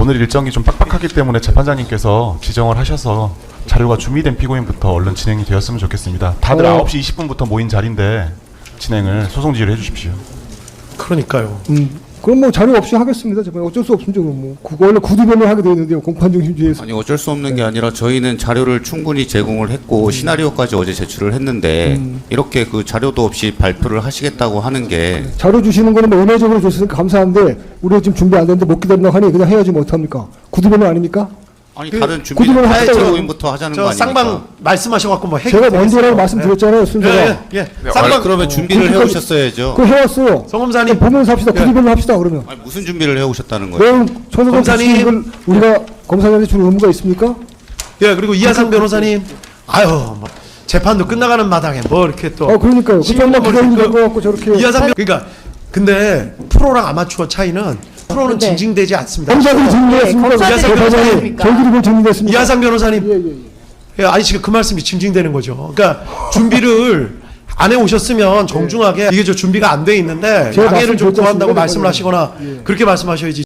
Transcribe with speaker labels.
Speaker 1: 오늘 일정이 좀 빡빡하기 때문에 재판장님께서 지정을 하셔서 자료가 준비된 피고인부터 얼른 진행이 되었으면 좋겠습니다. 다들 9시 20분부터 모인 자리인데 진행을 소송 지휘를 해주십시오.
Speaker 2: 그러니까요.
Speaker 3: 그럼 뭐 자료 없이 하겠습니다. 제발 어쩔 수 없습니다. 뭐 그거 원래 구두변을 하게 되어 있는데요. 공판중심주의에서.
Speaker 4: 아니 어쩔 수 없는 게 아니라 저희는 자료를 충분히 제공을 했고 시나리오까지 어제 제출을 했는데 이렇게 그 자료도 없이 발표를 하시겠다고 하는 게
Speaker 3: 자료 주시는 거는 뭐 은혜적으로 주시니까 감사한데 우리가 지금 준비 안 됐는데 못 기다린다고 하니 그냥 해야지 뭐 어떡합니까? 구두변은 아닙니까?
Speaker 4: 아니
Speaker 2: 그
Speaker 4: 다른
Speaker 3: 구두변을
Speaker 4: 준비는
Speaker 3: 하시다고
Speaker 4: 제고인부터 하자는 거
Speaker 2: 저
Speaker 4: 아닙니까?
Speaker 2: 쌍방 말씀하셔갖고 뭐
Speaker 3: 제가 먼저라고 말씀드렸잖아요. 순서가.
Speaker 2: 예.
Speaker 4: 아니,
Speaker 2: 쌍방
Speaker 4: 그러면 준비를
Speaker 3: 그러니까
Speaker 4: 해오셨어야죠.
Speaker 3: 그거 해왔어요.
Speaker 2: 성검사님
Speaker 3: 보면서 합시다.
Speaker 2: 예.
Speaker 3: 구두변을 합시다 그러면.
Speaker 4: 아니, 무슨 준비를 해오셨다는 거예요?
Speaker 3: 그럼 천사장
Speaker 2: 검사님.
Speaker 3: 주시는 걸 우리가 검사장한테 주는 의무가 있습니까?
Speaker 2: 예 그리고 이하상 변호사님 아유 뭐 재판도 끝나가는 마당에 뭐 이렇게 또
Speaker 3: 그러니까요. 그 정도 기다리는 거 갖고 저렇게.
Speaker 2: 이하상 그러니까 근데 프로랑 아마추어 차이는 프로는
Speaker 5: 네.
Speaker 2: 징징대지 않습니다.
Speaker 3: 검사들이 증명했습니까?
Speaker 5: 검사들이
Speaker 2: 검사들이
Speaker 5: 증명했습니까?
Speaker 3: 저희들이 뭘 증명했습니까?
Speaker 2: 이하상 변호사님
Speaker 3: 예.
Speaker 2: 예, 아니 지금 그 말씀이 징징대는 거죠. 그러니까 준비를 안 해오셨으면 정중하게 이게 저 준비가 안 돼 있는데
Speaker 3: 제가
Speaker 2: 양해를 좀
Speaker 3: 말씀드렸지
Speaker 2: 구한다고
Speaker 3: 않습니까?
Speaker 2: 말씀을 하시거나 그렇게 말씀하셔야지.